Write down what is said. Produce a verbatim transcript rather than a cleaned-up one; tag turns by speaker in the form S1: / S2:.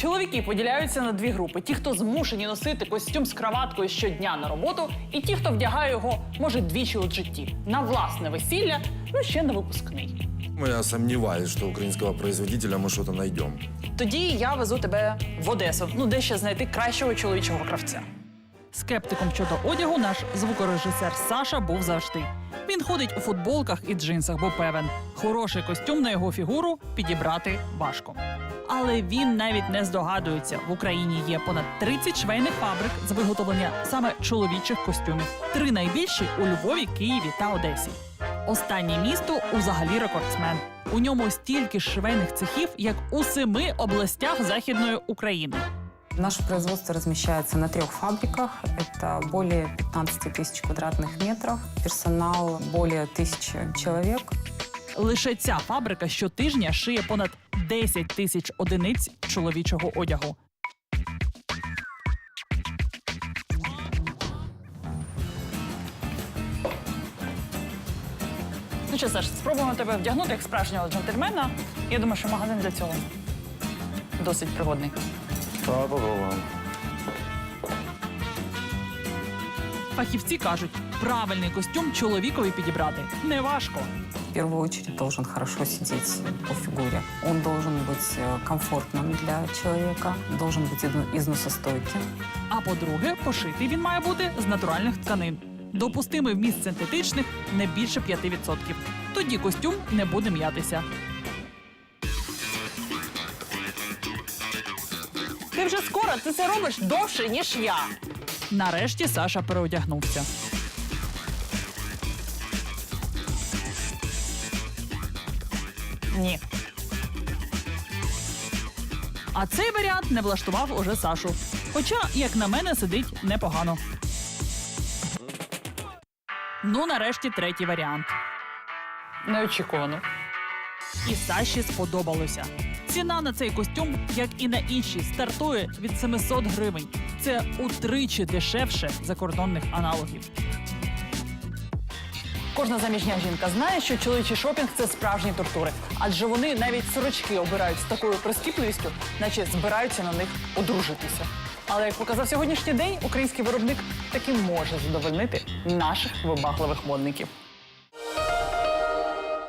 S1: Чоловіки поділяються на дві групи: ті, хто змушені носити костюм з краваткою щодня на роботу, і ті, хто вдягає його, може, двічі у житті на власне весілля, ну ще на випускний.
S2: Я сомневаюсь, что украинского производителя мы что-то найдем.
S1: Тоді я везу тебе в Одесу, ну де ще знайти кращого чоловічого кравця. Скептиком щодо одягу наш звукорежисер Саша був завжди. Він ходить у футболках і джинсах, бо певен, хороший костюм на його фігуру підібрати важко. Але він навіть не здогадується, в Україні є понад тридцять швейних фабрик з виготовлення саме чоловічих костюмів. Три найбільші у Львові, Києві та Одесі. Останнє місто узагалі рекордсмен. У ньому стільки ж швейних цехів, як у семи областях Західної України.
S3: Наше производство размещается на трех фабриках. Это более пятнадцати тысяч квадратных метров. Персонал более тысячи человек.
S1: Лише ця фабрика щотижня шиє понад десять тисяч одиниць чоловічого одягу. Ну що, Саш, спробуємо тебе вдягнути як справжнього джентльмена. Я думаю, що магазин для цього досить пригодний.
S2: Давай попробуем.
S1: Фахівці кажуть, правильний костюм чоловікові підібрати неважко.
S3: В первую очередь должен хорошо сидеть по фигуре. Он должен быть э, комфортным для человека, должен быть изно- износостойким.
S1: А по-друге, пошитий він має бути з натуральних тканин. Допустимий вміст синтетичних не більше п'яти відсотків. Тоді костюм не буде м'ятися. Ти вже скоро, ти це робиш довше, ніж я. Нарешті Саша переодягнувся. Ні. А цей варіант не влаштував уже Сашу. Хоча, як на мене, сидить непогано. Ну, нарешті, третій варіант. Неочікувано. І Саші сподобалося. Ціна на цей костюм, як і на інші, стартує від сімсот гривень. Це утричі дешевше закордонних аналогів. Кожна заміжня жінка знає, що чоловічий шопінг – це справжні тортури. Адже вони навіть сорочки обирають з такою прискіпливістю, наче збираються на них одружитися. Але, як показав сьогоднішній день, український виробник таки може задовольнити наших вибагливих модників.